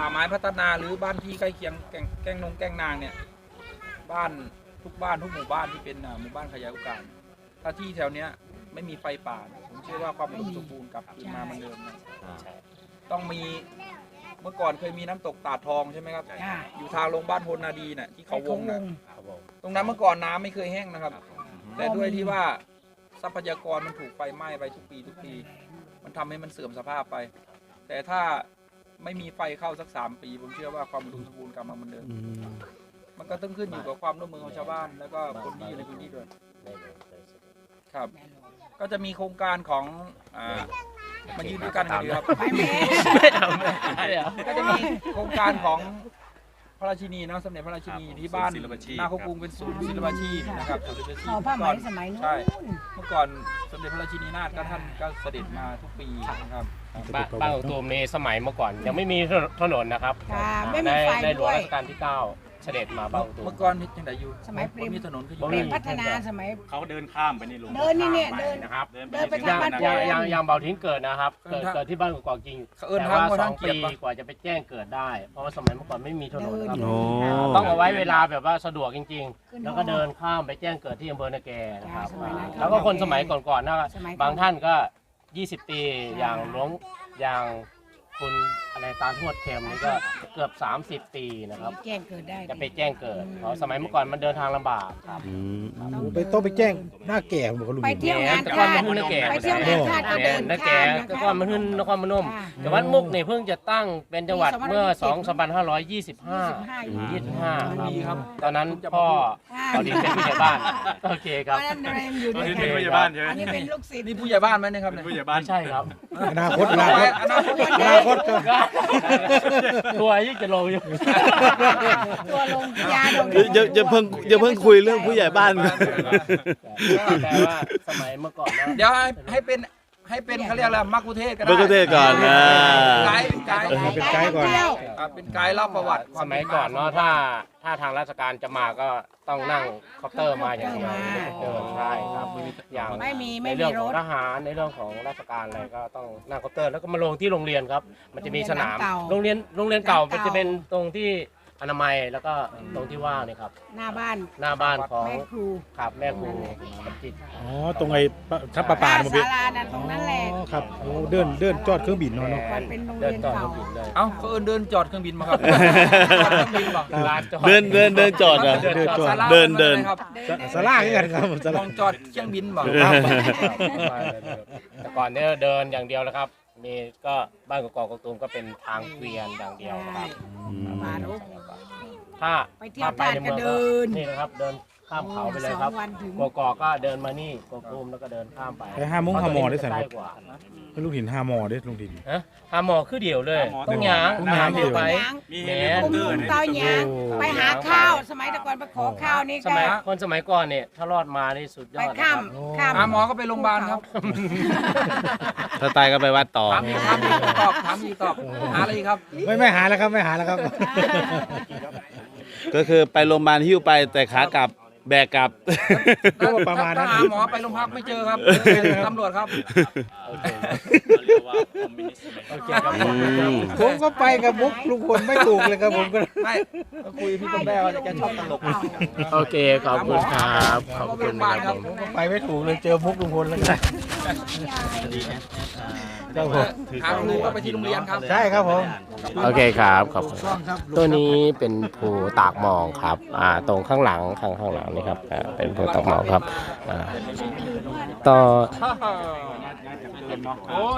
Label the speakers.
Speaker 1: ไม้พัฒนาหรือบ้านที่ใกล้เคียงแก้งนางเนี่ยบ้านทุกหมู่บ้านที่เป็นหมู่บ้านขยายโอกาสถ้าที่แถวเนี้ยไม่มีไฟป่าผมเชื่อว่าความอุดมสมบูรณ์กลับคืนมาเหมือนเดิมนะต้องมีเมื่อก่อนเคยมีน้ำตกตาดทองใช่ไหมครับอยู่ทางลงบ้านโพนนาดีน่ะที่เขาวงน่ะตรงนั้นเมื่อก่อนน้ำไม่เคยแห้งนะครับแต่ด้วยที่ว่าทรัพยากรมันถูกไฟไหม้ไปทุกปีมันทำให้มันเสื่อมสภาพไปแต่ถ้าไม่มีไฟเข้าสัก3 ปีผมเชื่อว่าความอุดมสมบูรณ์กลับมาเหมือนเดิมมันก็ต้องขึ้นอยู่กับความร่วมมือของชาวบ้านแล้วก็คนที่อยู่ในพื้นที่ด้วยครับก็จะมีโครงการของมายืนด้วยกันกันดีครับก็จะมีโครงการของพระราชินีเนาะสมเด็จพระราชินีที่บ้านนาโคกรุงเป็นศูนย์ศิลปาชีพนะครับ
Speaker 2: ขอผ้าไหมสมัยนู้น
Speaker 1: ใช่เมื่อก่อนสมเด็จพระราชินีนาถก็ท่านก็เสด็จมาทุกปีนะครับ
Speaker 3: บ้านของตูมในสมัยเมื่อก่อนยังไม่มีถนนนะครับในหลวงรัชกาลที่ 9เสด็จมาบ้านของตูม
Speaker 1: เมื่อก่อนยังไงอยู่
Speaker 2: สมัยปริม
Speaker 1: มีถนนก็อยู่
Speaker 2: ปริมพัฒนาสมัย
Speaker 4: เขาเดินข้ามไปในหลวง
Speaker 2: เดินนี่เนี่ยเดิน
Speaker 3: นะครับ
Speaker 2: เดินไปทางบ้าน
Speaker 3: ยังเบาทิ้งเกิดนะครับเกิดที่บ้านกอกจริงแต่ว่า2 ปีกว่าจะไปแจ้งเกิดได้เพราะว่าสมัยเมื่อก่อนไม่มีถนนครับต้องเอาไว้เวลาแบบว่าสะดวกจริงๆแล้วก็เดินข้ามไปแจ้งเกิดที่อำเภอนาแกนะครับแล้วก็คนสมัยก่อนๆนะบางท่านก็20 ปีอย่างคุณอะไรตาทวดเค็มนี่ก็เกือบ30 ปีนะครับ
Speaker 2: แจ้งเกิดได้
Speaker 3: จะไปแจ้งเกิดเพราะสมัยเมื่อก่อนมันเดินทางลำบากครับ
Speaker 5: ต้องไปแจ้งหน้าแก่บอกลุง
Speaker 2: ไปเที่ยวงาน
Speaker 3: แต่ก่อนมันขึ้นนาแก
Speaker 2: ไปเที่ยวงานชาติก็เดิน
Speaker 3: นาแก
Speaker 2: ข้าม
Speaker 3: แต่ก่อนมันขึ้นนครพนมจังหวัดมุกนี่เพิ่งจะตั้งเป็นจังหวัดเมื่อ2525ครับตอนนั้นพ่อเขาดินเป็นผู้ใหญ่บ้านโอเคครับ
Speaker 2: อันนั้นอะไรอยู่ด้วย
Speaker 4: นี่
Speaker 2: กัน
Speaker 4: เป็นผู้ใหญ่บ้านใช่ไหม
Speaker 2: อันนี้เป็นลูกศิษย์
Speaker 1: นี่ผู้ใหญ่บ้านไหมเนี่ยครับเนี่ย
Speaker 4: ผู้ใหญ่บ้าน
Speaker 3: ใช่ครับ
Speaker 5: อนาคต
Speaker 3: ตัวยิ่งจะลงอยู่
Speaker 2: ตัวลงยาลง
Speaker 6: อย่าเพิ่งคุยเรื่องผู้ใหญ่บ้านกัน
Speaker 3: แต่ว่าสมัยเมื่อก่อนนะ
Speaker 1: เดี๋ยวให้เป็นเขาเรียกอะไรมักคุเทศก็ได้
Speaker 6: มักคุเทศก่อนนะ
Speaker 1: เป็นไกด์
Speaker 5: เป็นไกด์ก่อน
Speaker 1: เป็นไกด์เล่าประวัติ
Speaker 3: สมัยก่อนเนาะถ้าทางราชการจะมาก็ต้องนั่งคอปเตอร์มาอย่างเดียวเดินใช่ครับอย่าง
Speaker 2: ไม่มี
Speaker 3: ในเรื่องของทหารในเรื่องของราชการอะไรก็ต้องนั่งคอปเตอร์แล้วก็มาลงที่โรงเรียนครับมันจะมีสนามโรงเรียนเก่ามันจะเป็นตรงที่อนามัยแล้วก็ตรงที่ว่างนี่ครับ
Speaker 2: หน้าบ้าน
Speaker 3: หน้าบ้านของ
Speaker 2: แม่ครู
Speaker 3: ครับแม่ครูจิต
Speaker 5: อ๋อตรงไอ้ทับประปา
Speaker 2: ศา
Speaker 5: มาเป็น
Speaker 2: ลานั่นตรงนั้นแหละ
Speaker 5: อ๋อครับโอ้เดินจอดเครื่องบินเนาะ
Speaker 2: มันเป็นโรงเรี
Speaker 3: เดิ
Speaker 2: ย
Speaker 3: น
Speaker 2: น
Speaker 3: ต่อ
Speaker 2: เก่า
Speaker 3: เครื่องบินเลย
Speaker 1: เอ้าเขาเดินจอดเครื่องบินมาครับ
Speaker 3: ลานจอด
Speaker 6: เดินจอดอ่ะ เดิน
Speaker 1: ครับ
Speaker 5: สลาคือกันครับส
Speaker 1: ม
Speaker 5: ลา
Speaker 1: องจอดเครื่องบินบอก
Speaker 3: แต่ก่อนเนี่ยเดินอย่างเดียวนะครับมีก็บ้านกอกตูมก็เป็นทางเกวียนอย่างเดียวนะครับ
Speaker 2: มาดู
Speaker 3: ถ้า
Speaker 2: ไปเที่ยวบ้านก็เดิน
Speaker 3: นี่นะครับเดินข้ามเขาไปเลยครับ
Speaker 2: 2 วันถึง
Speaker 3: กอกก็เดินมานี่กอกตูมแล้วก็เดินข้ามไป
Speaker 5: ไป5 โมง5 หมอได้สั่น
Speaker 3: ใก
Speaker 5: ค
Speaker 3: ล้
Speaker 5: รับ
Speaker 3: กว่า
Speaker 5: ลูกหิน5 หมอได้ลุงดิน
Speaker 3: ฮะหาหมอคือเดียวเลยต้องหยาง
Speaker 5: ต้องหยาง
Speaker 3: เดียวไป
Speaker 4: มี
Speaker 3: แหม
Speaker 4: เฮลิคอปเตอร์
Speaker 2: เตาหยางไปหาข้าว สมัยแต่ก่อนไปขอข้าวนี่
Speaker 3: ส
Speaker 2: ก็
Speaker 3: มัยคนสมัยก่อนเนี่ยถ้ารอดมานี่สุดย
Speaker 2: ไป
Speaker 3: อดนะค
Speaker 2: ข้า
Speaker 3: รั
Speaker 2: ม
Speaker 3: บ
Speaker 2: ข้าม
Speaker 1: หมอก็ไปโรงพยาบาลครับ
Speaker 6: ถ้าตายก็ไปวัดต่อ
Speaker 1: ถามอีกตอบหาอะไรอีกครับ
Speaker 5: ไม่หาแล้วครับไม่หาแล้วครับ
Speaker 6: ก็คือไปโรงพยาบาลหิ้วไปแต่ขากลับแบกกลับ
Speaker 5: ก็ประมาณนั้น
Speaker 1: ถ้หาหมอไปโรงพักไม่เจอครับตำรวจครับ
Speaker 4: เรียกว่าคอมมิวนิสต์
Speaker 3: โอเคครับ
Speaker 5: ผมก็ไปกับมุกลุงพลไม่ถูกเลยครับผมก็
Speaker 1: ไม่คุยพี่ต้นแม่ว่าแกชอบตลก
Speaker 3: โอเคขอบคุณครับขอบคุณนะครับผม
Speaker 5: ไปไม่ถูกเลยเจอมุกลุงพลแล้วกันครับผม
Speaker 1: ทางครูก็ไปที่โรงเรียนครับ
Speaker 5: ใช่ครับผม
Speaker 3: โอเคครับขอบคุณตัวนี้เป็นภูตากหมองครับตรงข้างหลังข้างหลังนี่ครับเป็นภูตากหมองครับต่อ